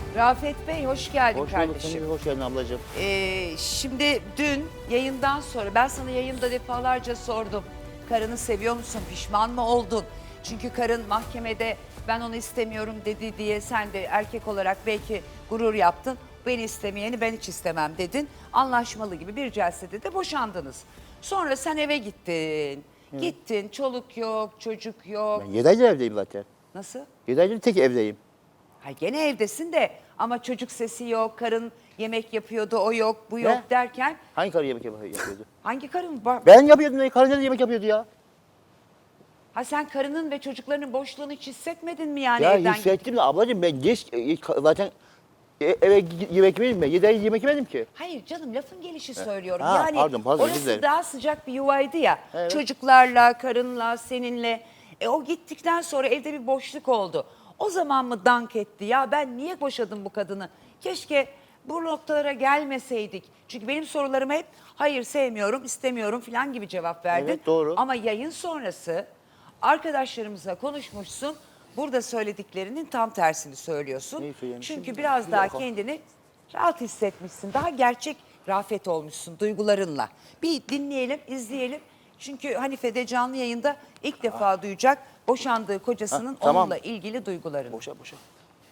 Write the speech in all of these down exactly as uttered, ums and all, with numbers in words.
Rafet Bey hoş geldin Hoş bulduk, kardeşim. sen de hoş geldin ablacığım. Ee, şimdi dün yayından sonra ben sana yayında defalarca sordum. Karını seviyor musun? Pişman mı oldun? Çünkü karın mahkemede ben onu istemiyorum dedi diye sen de erkek olarak belki gurur yaptın. Beni istemeyeni ben hiç istemem dedin. Anlaşmalı gibi bir celsede de boşandınız. Sonra sen eve gittin. Evet. Gittin, çoluk yok, çocuk yok. Ben yedi aydır evdeyim zaten. Nasıl? yedi aydır tek evdeyim. Ha gene evdesin de ama çocuk sesi yok, karın yemek yapıyordu, o yok, bu yok Ne? derken Hangi karı yemek yap- yapıyordu? hangi karın var? Ben yapıyordum, karı nerede yemek yapıyordu ya? Ha sen karının ve çocuklarının boşluğunu hiç hissetmedin mi yani Ya evden hissettim de ablacığım ben geç, e, zaten e, eve gi- yemek yemedim ben. yedi ay yemek yemedim ki. Hayır canım lafın gelişi söylüyorum. Ha, yani pardon, pardon, özür orası dilerim. daha sıcak bir yuvaydı ya. Evet. Çocuklarla, karınla, seninle. E o gittikten sonra evde bir boşluk oldu. O zaman mı dank etti ya ben niye boşadım bu kadını? Keşke bu noktalara gelmeseydik. Çünkü benim sorularıma hep hayır sevmiyorum, istemiyorum falan gibi cevap verdin. Evet, doğru. Ama yayın sonrası arkadaşlarımızla konuşmuşsun. Burada söylediklerinin tam tersini söylüyorsun. Neyi söylemişim? Çünkü biraz Bir daha dakika. kendini rahat hissetmişsin. Daha gerçek Rafet olmuşsun duygularınla. Bir dinleyelim, izleyelim. Çünkü Hanife de canlı yayında ilk defa duyacak boşandığı kocasının Ha, tamam. onunla ilgili duygularını. Boşa boşa.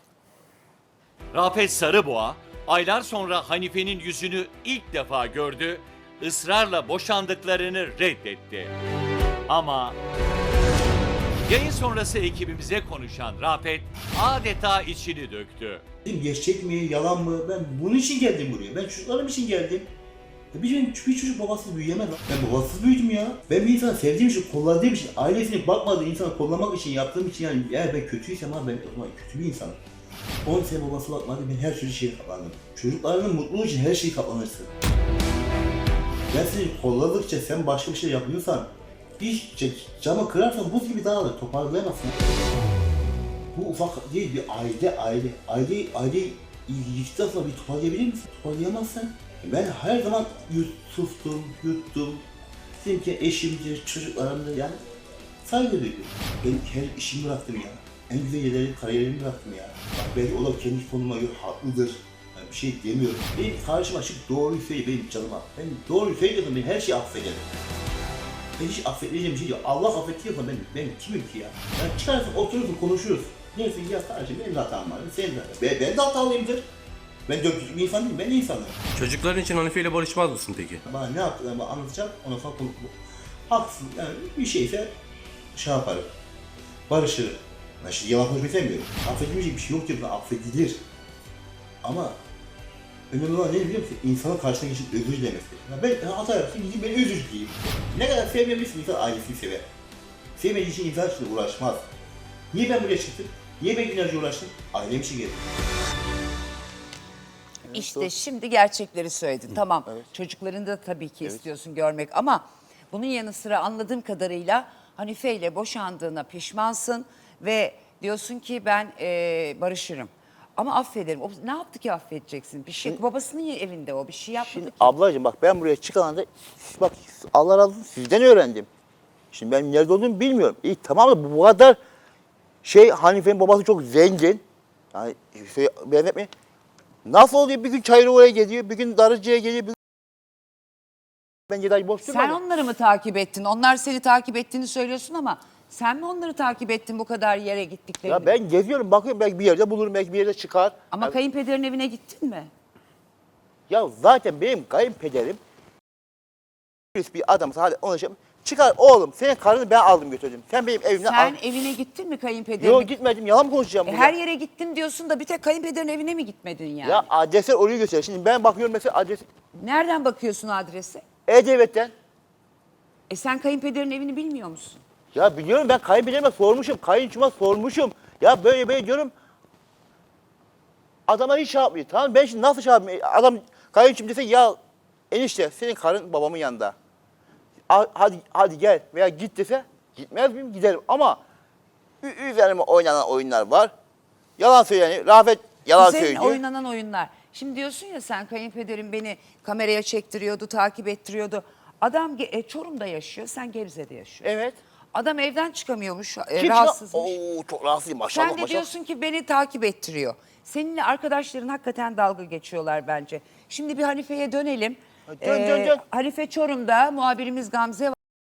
Rafet Sarıboğa aylar sonra Hanife'nin yüzünü ilk defa gördü, ısrarla boşandıklarını reddetti. Ama yayın sonrası ekibimize konuşan Rafet adeta içini döktü. Dedim, gerçek mi, yalan mı? Ben bunun için geldim buraya. Ben çocuklarım için geldim. Ya bir, çocuk- bir çocuk babasız büyüyemez lan. Ben babasız büyüdüm ya. Ben bir insanı sevdiğim için, kolladığım için, ailesini bakmadığı insanı kollamak için yaptığım için yani eğer ben kötüysem ha ben o zaman kötü bir insanım. on sene babası bakmadı, ben her türlü şeye katlandım. Çocuklarının mutluluğu için her şeyi katlanırsın. Ben seni kolladıkça sen başka bir şey yapıyorsan, bir camı kırarsan buz gibi dağılır, toparlayamazsın. Bu ufak değil, bir aile, aile. Aile, aile yıktıktan sonra bir toparlayabilir misin? Toparlayamazsın. Ben her zaman yut, sustum, yuttum. Dedim ki eşimdir, çocuklarımdır yani. Saygı duydum. Ben her işimi bıraktım ya. En güzel yerleri, kariyerimi bıraktım ya. Bak belki o da kendi konuma göre haklıdır. Yani bir şey demiyorum. Benim karşıma çık doğruyu söyle benim canıma. Ben doğruyu söylüyorsam ben her şeyi affederim. Ben hiç affedeceğim bir şey yok. Allah affediyorsa ben, ben kimim ki ya? Yani çıkarsın, oturursun, konuşuruz. Neyse ya sadece benim de hatam var, senin de hatam. Ben, ben de hatalıyımdır. Ben dört bir insan değilim, ben de insanım. Çocukların için Hanife ile barışmaz mısın peki? Bana ne yaptıklarımı anlatacağım, ondan sonra konu bu. Haklısın, yani bir şeyse şey yaparım, barışırım. Ben şimdi yalan konuşmayı sevmiyorum. Affedilmeyecek bir şey yok diyorum, affedilir. Ama önemli olan ne biliyor musun? İnsanın karşısına geçip özür dilemesi. Ya ben hata yaptım, gideyim ben özür dileyeyim. Ne kadar sevmemişsin insan ailesini sever. Sevmediği için insan için uğraşmaz. Niye ben buraya çıktım? Niye ben günlerce uğraştım? Ailem için geldim. İşte şimdi gerçekleri söyledin. Tamam evet. çocuklarını da tabii ki istiyorsun görmek ama bunun yanı sıra anladığım kadarıyla Hanife ile boşandığına pişmansın ve diyorsun ki ben eee, barışırım. Ama affederim. O ne yaptı ki affedeceksin? Bir şey babasının evinde o bir şey yapmadı Şimdi ki. ablacığım bak ben buraya çıkan anda bak Allah razı olsun sizden öğrendim. Şimdi ben nerede olduğumu bilmiyorum. İyi tamam da bu kadar şey Hanife'nin babası çok zengin. Yani şey, beğenmek mi? Nasıl oluyor bir gün Çayırı oraya geliyor, bir gün Darıcı'ya geliyor, bir gün ben yedi ay boş Sen durmadım. onları mı takip ettin? Onlar seni takip ettiğini söylüyorsun ama sen mi onları takip ettin bu kadar yere gittiklerini? Ya ben geziyorum bakıyorum belki bir yerde bulurum, belki bir yerde çıkar. Ama Ya- kayınpederin evine gittin mi? Ya zaten benim kayınpederim bir adam sadece ona şey çıkar oğlum senin karını ben aldım götürdüm. Sen benim evimden Sen al. evine gittin mi kayınpederine? Yok gitmedim yalan mı konuşacağım E, burada? her yere gittim diyorsun da bir tek kayınpederin evine mi gitmedin yani? Ya adresler orayı gösteriyor. Şimdi ben bakıyorum mesela adres Nereden bakıyorsun adrese? E-Devlet'ten. E sen kayınpederin evini bilmiyor musun? Ya biliyorum ben kayınpederime sormuşum, kayınçıma sormuşum. Ya böyle böyle diyorum. Adama hiç şey yapmıyor. Tamam ben şimdi nasıl şey yapayım? Adam kayınçım dese ya enişte senin karın babamın yanında. A- Hadi hadi gel veya git dese gitmez miyim? Giderim ama ü- üzerime oynanan oyunlar var. Yalan söyleniyor. Rafet yalan Üzerine söylüyor. oynanan oyunlar. Şimdi diyorsun ya sen kayınpederin beni kameraya çektiriyordu, takip ettiriyordu. Adam Ge- e, Çorum'da yaşıyor, sen Gebze'de yaşıyorsun. Evet. Adam evden çıkamıyormuş, e, Kim çıkar- rahatsızmış. Oo çok rahatsızım maşallah Sen de maşallah. diyorsun ki beni takip ettiriyor. Seninle arkadaşların hakikaten dalga geçiyorlar bence. Şimdi bir Hanife'ye dönelim. Dön, dön, dön. Hanife Çorum'da, muhabirimiz Gamze var.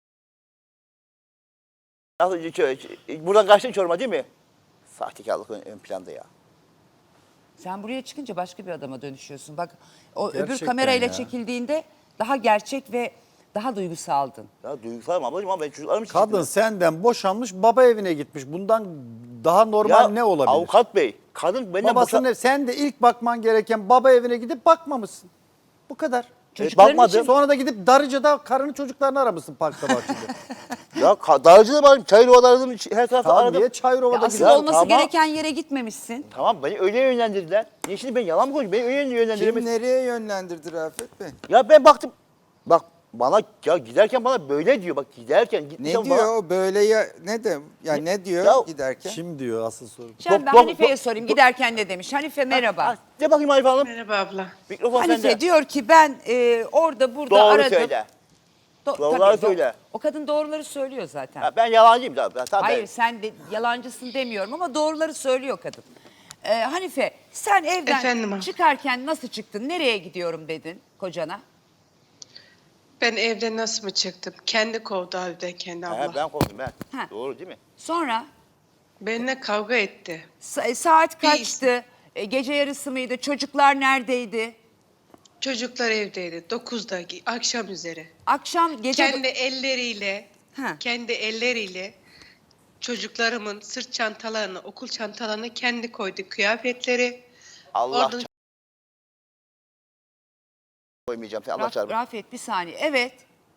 Nasıl, buradan kaçtın Çorum'a değil mi? Sahtekarlık ön, ön planda ya. Sen buraya çıkınca başka bir adama dönüşüyorsun. Bak o öbür Gerçekten kamerayla ya. çekildiğinde daha gerçek ve daha duygusaldın. Ya duygusalım ablacığım ama ben çocuklarım için Kadın çıktım. senden boşanmış, baba evine gitmiş. Bundan daha normal Ya ne olabilir? avukat bey, kadın benden Babasının boşa- ev, sen de ilk bakman gereken baba evine gidip bakmamışsın. Bu kadar. Çocukların bakmadım. için Sonra da gidip Darıca'da karını çocuklarını aramışsın parkta bahçede. Ya ka- Darıcı'da varım, Çayırova aradım, her tarafta Tamam aradım. diye Çayırova'da asıl gidiyor. olması tamam. gereken yere gitmemişsin. Tamam beni öyle yönlendirdiler. Niye şimdi ben yalan mı konuşuyorum? Beni öyle Kim yönlendiremez. nereye yönlendirdi Rafet Bey? Ya ben baktım. Bak bana ya giderken bana böyle diyor. Bak giderken Ne gitmişken diyor bana. o böyle ya ne de ya ne diyor Ya- giderken? Kim diyor asıl soru? Şimdi ben Dok- dok- Hanife'ye dok- sorayım dok- giderken ne demiş. Hanife merhaba. Ha, de bakayım Hanife Hanım. Merhaba abla. Mikrofon Hanife sende. diyor ki ben e, orada burada Doğru aradım. söyle. Do- Doğruları tabii, do- söyle. O kadın doğruları söylüyor zaten. Ha, ben yalancıyım da. Ben, tabii Hayır ben- sen de yalancısın demiyorum ama doğruları söylüyor kadın. Ee, Hanife sen evden Efendim abi. çıkarken nasıl çıktın? Nereye gidiyorum dedin kocana? Ben evden nasıl mı çıktım? Kendi kovdu evden kendi abla. He, ben korktum ben. Ha. Doğru değil mi? Sonra Benimle kavga etti. sa- saat Bir- kaçtı? E, gece yarısı mıydı? Çocuklar neredeydi? Çocuklar evdeydi. dokuzda akşam üzeri. Akşam gece... Kendi elleriyle Ha. kendi elleriyle çocuklarımın sırt çantalarını, okul çantalarını kendi koydu kıyafetleri. Allah Oradan- ça- koymayacağım. Sen Allah Raf- çarpı. Rafet bir saniye. Evet.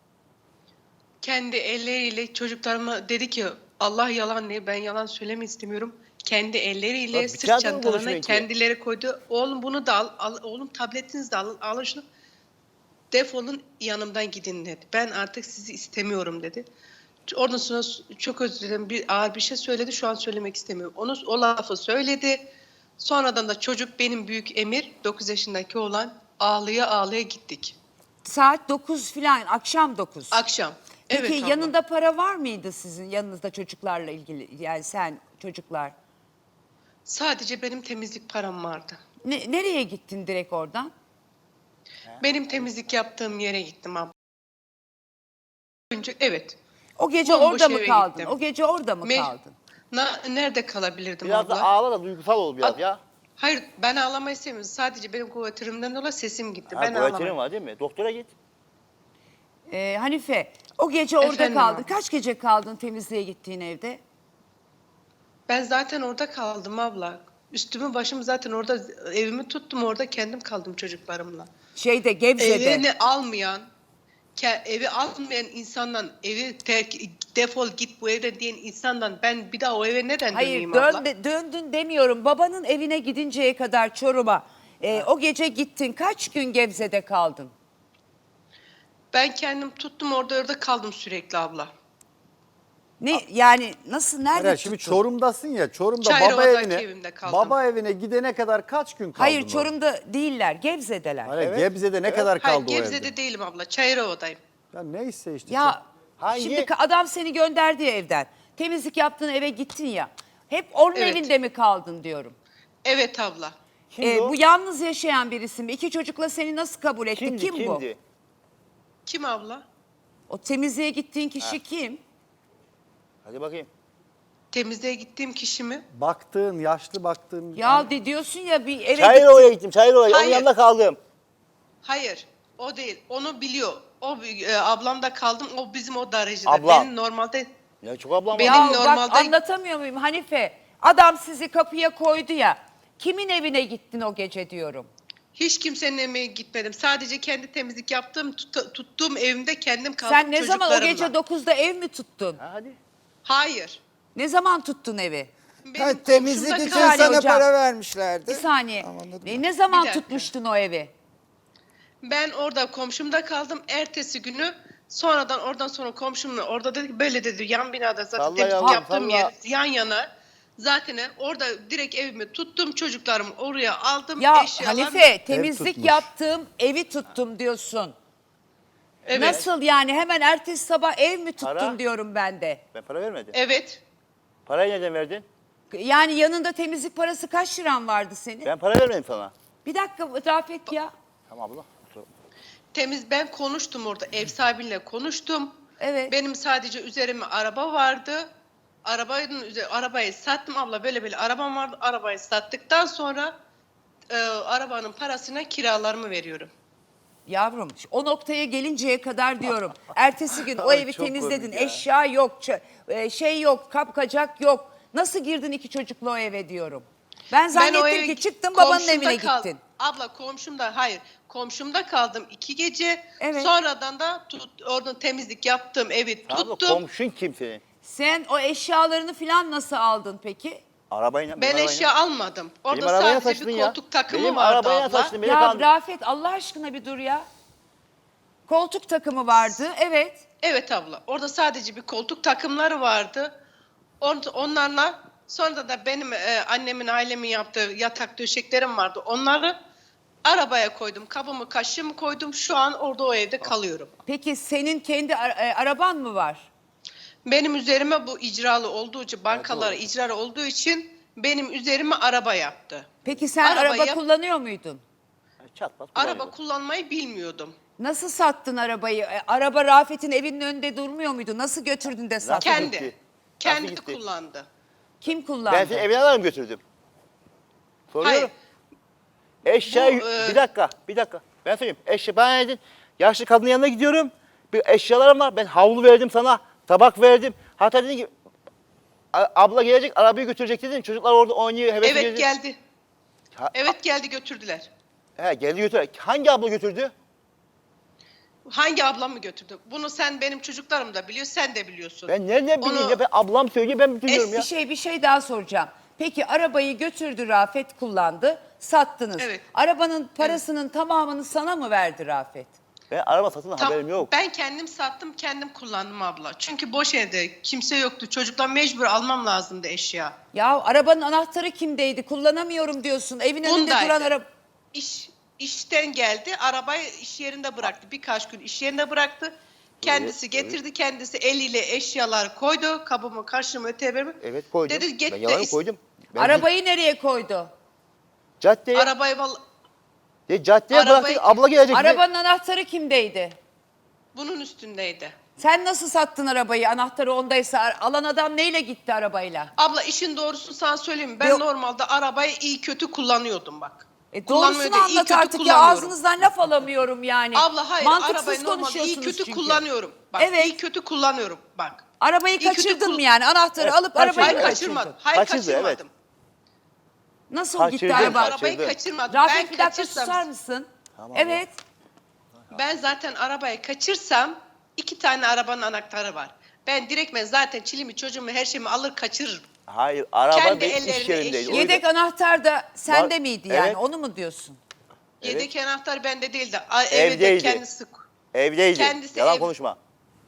Kendi elleriyle çocuklarıma dedi ki Allah yalan diye ben yalan söylemek istemiyorum. Kendi Bak, elleriyle bir sırt kağıda mı çantalarını konuşmuyor ki? kendileri koydu. Oğlum bunu da al, al oğlum tabletinizi de alın, alın şunu. Defolun yanımdan gidin dedi. Ben artık sizi istemiyorum dedi. Oradan sonra çok özür dilerim bir ağır bir şey söyledi. Şu an söylemek istemiyorum. Onu o lafı söyledi. Sonradan da çocuk benim büyük Emir dokuz yaşındaki olan ağlıya ağlıya gittik. Saat dokuz filan, akşam dokuz. Akşam. Peki Evet abla. yanında para var mıydı sizin yanınızda çocuklarla ilgili? Yani sen çocuklar. Sadece benim temizlik param vardı. Ne, nereye gittin direkt oradan? Benim temizlik yaptığım yere gittim abla. Önce evet. O gece Bomboş orada mı eve kaldın? gittim. O gece orada mı Me- kaldın? Na- nerede kalabilirdim Biraz abla? da ağla da duygusal ol biraz Ad- ya. Hayır ben ağlamayı istemiyorum. Sadece benim kuvvetimden dolayı sesim gitti. Ha, ben kuvvetin ağlamam. var değil mi? Doktora git. Ee, Hanife o gece orada Efendim kaldın. abla? Kaç gece kaldın temizliğe gittiğin evde? Ben zaten orada kaldım abla. Üstümü başımı zaten orada evimi tuttum orada kendim kaldım çocuklarımla. Şeyde Gebze'de. Evini almayan ke- evi almayan insandan evi terk defol git bu evden diyen insandan ben bir daha o eve neden Hayır döneyim dön, abla? de- döndün demiyorum. Babanın evine gidinceye kadar Çorum'a. Ee, o gece gittin. Kaç gün Gebze'de kaldın? Ben kendim tuttum orada orada kaldım sürekli abla. Ne yani nasıl nerede Hayır, şimdi tuttun? Çorum'dasın ya. Çorum'da baba Çayrova'daki evine evimde kaldım. baba evine gidene kadar kaç gün kaldın? Hayır orada? Çorum'da değiller. Gebze'deler. Hayır, Gebze'de ne kadar Hayır kaldı o Gebze'de evde? değilim abla Çayırova'dayım. Ya neyse işte. Ya Hangi- şimdi ka- adam seni gönderdi ya evden. Temizlik yaptığın eve gittin ya. Hep onun Evet. evinde mi kaldın diyorum. Evet abla. Kimdi Ee, o? bu yalnız yaşayan birisi mi? İki çocukla seni nasıl kabul etti? Kimdi, kim bu? kimdi? Kim abla? O temizliğe gittiğin kişi kim? Hadi bakayım. Temizliğe gittiğim kişi mi? Baktığın, yaşlı baktığın. Ya de diyorsun ya bir eve Çayırova'ya gittim, Çayırova'ya. Onun Hayır. yanında kaldım. Hayır. O değil. Onu biliyor. O e, ablamda kaldım. O bizim o darıcıda. Ablam. Benim normalde Ya çok ablam Benim var. Ya bak normalde- anlatamıyor muyum Hanife? Adam sizi kapıya koydu ya. Kimin evine gittin o gece diyorum. hiç kimsenin evine gitmedim. Sadece kendi temizlik yaptığım, tut- tuttuğum evimde kendim kaldım Sen ne zaman o çocuklarımla. gece dokuzda ev mi tuttun? Ha, hadi. Hayır. Ne zaman tuttun evi? Benim Ha, temizlik komşumda için saniye kaldım. sana hocam. para vermişlerdi. Bir saniye. Anladım. E, ne zaman Bir dakika. tutmuştun o evi? Ben orada komşumda kaldım. Ertesi günü sonradan oradan sonra komşumla orada dedi ki, böyle dedi yan binada zaten Salla temizlik yavrum, yaptığım salla. yer yan yana. Zaten orada direkt evimi tuttum çocuklarımı oraya aldım. Ya eşyalarımı- Hanife temizlik tutmuş. yaptığım evi tuttum diyorsun. Evet. Nasıl yani hemen ertesi sabah ev mi tuttun Para? diyorum ben de. Ben para vermedim. Evet. Parayı nereden verdin? Yani yanında temizlik parası kaç liran vardı senin? Ben para vermedim sana. Bir dakika Rafet ya. Tamam abla. Temiz ben konuştum orada ev sahibiyle konuştum. Evet. Benim sadece üzerime araba vardı. Arabanın üze- arabayı sattım abla böyle böyle arabam vardı. Arabayı sattıktan sonra e, arabanın parasına kiralarımı veriyorum. Yavrum o noktaya gelinceye kadar diyorum. Ertesi gün o evi çok temizledin. komik ya. Eşya yok, ç- e, şey yok, kapkacak yok. Nasıl girdin iki çocuklu o eve diyorum. Ben zannettim o eve ki çıktın babanın komşumda evine kal- gittin. Abla komşumda hayır komşumda kaldım iki gece. Evet. Sonradan da tut, orada temizlik yaptığım evi Tamam da tuttum. komşun kim senin? Sen o eşyalarını falan nasıl aldın peki? Arabayla. Ben arabayla. eşya almadım. Orada Benim arabayla sadece taşıdın bir ya. koltuk takımı Benim vardı arabayla abla. taşıdın. Beni Ya kandı- Rafet Allah aşkına bir dur ya. Koltuk takımı vardı evet. Evet abla. Orada sadece bir koltuk takımları vardı. Orada onlarla sonra da benim e, annemin ailemin yaptığı yatak döşeklerim vardı. Onları arabaya koydum. Kabımı kaşığımı koydum. Şu an orada o evde kalıyorum. Peki senin kendi ara- e, araban mı var? Benim üzerime bu icralı olduğu için bankalara icralı olduğu için benim üzerime araba yaptı. Peki sen Araba araba yap- kullanıyor muydun? Çat pat Araba kullanıyorum. kullanmayı bilmiyordum. Nasıl sattın arabayı? E, araba Rafet'in evinin önünde durmuyor muydu? Nasıl götürdün de sattın? Kendi. gitti? Kendi Nasıl gitti? kullandı. Kim kullandı? Ben seni evine alarım götürdüm. Soruyorum. Hayır. Eşya, Bu, e, bir dakika, bir dakika. Ben söyleyeyim. Eşya, ben dedin, yaşlı kadının yanına gidiyorum. Bir eşyalarım var. Ben havlu verdim sana, tabak verdim. Hatta dedin ki, "A- abla gelecek, arabayı götürecek" dedin. Çocuklar orada oynuyor, heves Evet ediyor. geldi. Ha- Evet geldi götürdüler. He, geldi götür. Hangi abla götürdü? Hangi ablam mı götürdü? Bunu sen benim çocuklarım da biliyor, sen de biliyorsun. Ben nereden bileyim Onu- ya? Ben ablam söylüyor, ben biliyorum Bir ya. şey bir şey daha soracağım. Peki arabayı götürdü Rafet kullandı, sattınız. Evet. Arabanın parasının tamamını sana mı verdi Rafet? Ben araba satın Tam- haberim yok. Ben kendim sattım, kendim kullandım abla. Çünkü boş evde kimse yoktu. Çocuklar mecbur almam lazımdı eşya. Ya arabanın anahtarı kimdeydi? Kullanamıyorum diyorsun. Evin önünde Bundaydı. duran araba. İş işten geldi, arabayı iş yerinde bıraktı. Birkaç gün iş yerinde bıraktı. Kendisi Evet, getirdi, kendisi eliyle eşyalar koydu. Kabımı, kaşığımı, öteberimi. Evet koydum. Dedi git ben de yalanı is- koydum. Ben Arabayı nereye koydu? caddeye, Arabayı val- de, caddeye arabayı- bıraktık, abla gelecek. Arabanın anahtarı kimdeydi? bunun üstündeydi. Sen nasıl sattın arabayı? Anahtarı ondaysa alan adam neyle gitti arabayla? Abla işin doğrusunu sana söyleyeyim mi? Ben Yok. normalde arabayı iyi kötü kullanıyordum bak. E Kullanmayı doğrusunu da iyi anlat kötü artık ya kullanıyorum. ağzınızdan laf alamıyorum yani. Abla hayır Mantıksız arabayı normalde iyi konuşuyorsunuz kötü çünkü. kullanıyorum. Bak Evet. iyi kötü kullanıyorum bak. Arabayı İyi kötü kaçırdın kul- mı yani? Anahtarı Evet, alıp kaçırdım. arabayı Hayır mı Evet. kaçırmadım. kaçırdın? Hayır Kaçırdı, evet. kaçırmadım. Nasıl Kaçırdı. gitti Ben araba? Kaçırdı. arabayı kaçırmadım. Rafet ben bir dakika kaçırsam, susar mısın? Tamam, Evet. ben zaten arabayı kaçırsam iki tane arabanın anahtarı var. Ben direktmen zaten çilimi çocuğumu her şeyimi alır kaçırırım. Hayır, araba Kendi benim iş ellerine yerindeydi. eşya- O yüzden- Yedek anahtar da sende Var- miydi yani? Evet. Onu mu diyorsun? Yedek anahtar bende değildi. A- Evde Evdeydi. kendisi. Evdeydi. Kendisi Yalan ev- konuşma.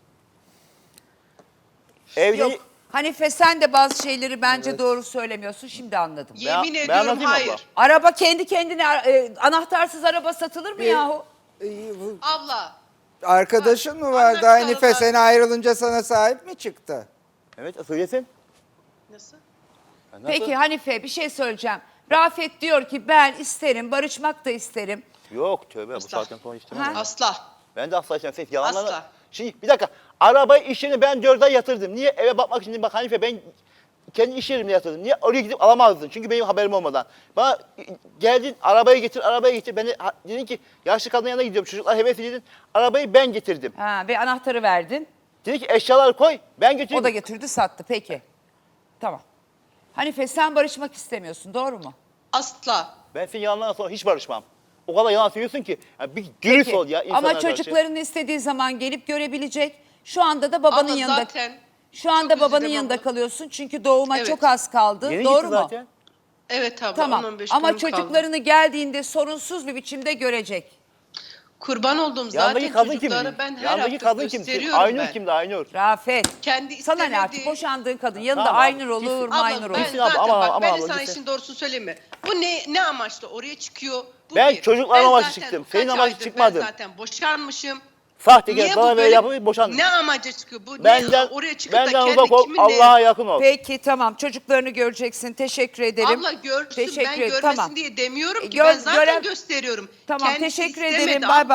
Evde Yok. Hanife sen de bazı şeyleri bence doğru söylemiyorsun. Şimdi anladım. Yemin ben ediyorum anlatayım abla. hayır. Araba kendi kendine e, anahtarsız araba satılır mı yahu? Abla Arkadaşın mı Bak, vardı anahtarı Hanife? var. Sen ayrılınca sana sahip mi çıktı? Evet, söylesin. nasıl? Ya nasıl? Peki Hanife bir şey söyleyeceğim. Rafet diyor ki ben isterim, barışmak da isterim. Yok tövbe, bu Asla. saatten sonra istemem. Ha? ya. Asla. Ben de asla istemem. Ses yalanlar. Asla. Şimdi bir dakika. Arabayı iş yerine ben dört ay yatırdım. Niye? Eve bakmak için. Bak Hanife, ben kendi iş yerimde yatırdım. Niye? Oraya gidip alamazdın. Çünkü benim haberim olmadan. Bana geldin, arabayı getir, arabayı getir. Ben de ha- dedin ki yaşlı kadının yanına gidiyorum. Çocuklar heves edin. Arabayı ben getirdim. Ha, ve anahtarı verdin. Dedi ki eşyaları koy, ben götüreyim. O da getirdi sattı. Peki. Tamam. Hanife sen barışmak istemiyorsun doğru mu? Asla. Ben senin yalanlarına sonra hiç barışmam. O kadar yalan söylüyorsun ki. Ya bir dürüst Peki. ol ya insanlara Ama karşı. çocukların istediği zaman gelip görebilecek. Şu anda da babanın Abla yanında. zaten Şu anda çok babanın üzüldüm yanında abla. kalıyorsun. Çünkü doğuma Evet. çok az kaldı. Yeni doğru gitti mu? zaten. Evet abla on Tamam. on beş Ama günüm kaldı. çocuklarını geldiğinde sorunsuz bir biçimde görecek. Kurban olduğum Yandaki zaten kadın çocukları kimdi? ben her Yandaki hafta kadın kimdi? gösteriyorum Aynur ben. kimdi? Aynur. Rafet. Kendi Sana ne istemediği- artık boşandığın kadın yanında Tamam, Aynur gitsin. olur, Abla Maynur olur. ben Gitsin abla, zaten ama- bak ama ben abla, sana gitsin. işin doğrusunu söyleyeyim mi? Bu ne ne amaçla oraya çıkıyor? Bu Ben bir. çocuklar Ben amaçlı zaten çıktım. kaç Senin amaçlı aydır çıkmadım. Ben zaten boşanmışım. Sahtekar Niye bu bana böyle böyle- yapıp boşandım. Ne amaca çıkıyor? Bu Benden, ne, oraya çıkıp da benden kendi uzak ol, kiminle... Allah'a yakın ol. Peki tamam, çocuklarını göreceksin. Teşekkür ederim. Abla görsün, Teşekkür ben ederim. görmesin Tamam. diye demiyorum ki. Gör- ben zaten gören- gösteriyorum. Tamam, Kendisi teşekkür istemedi ederim. abla. Bay bay.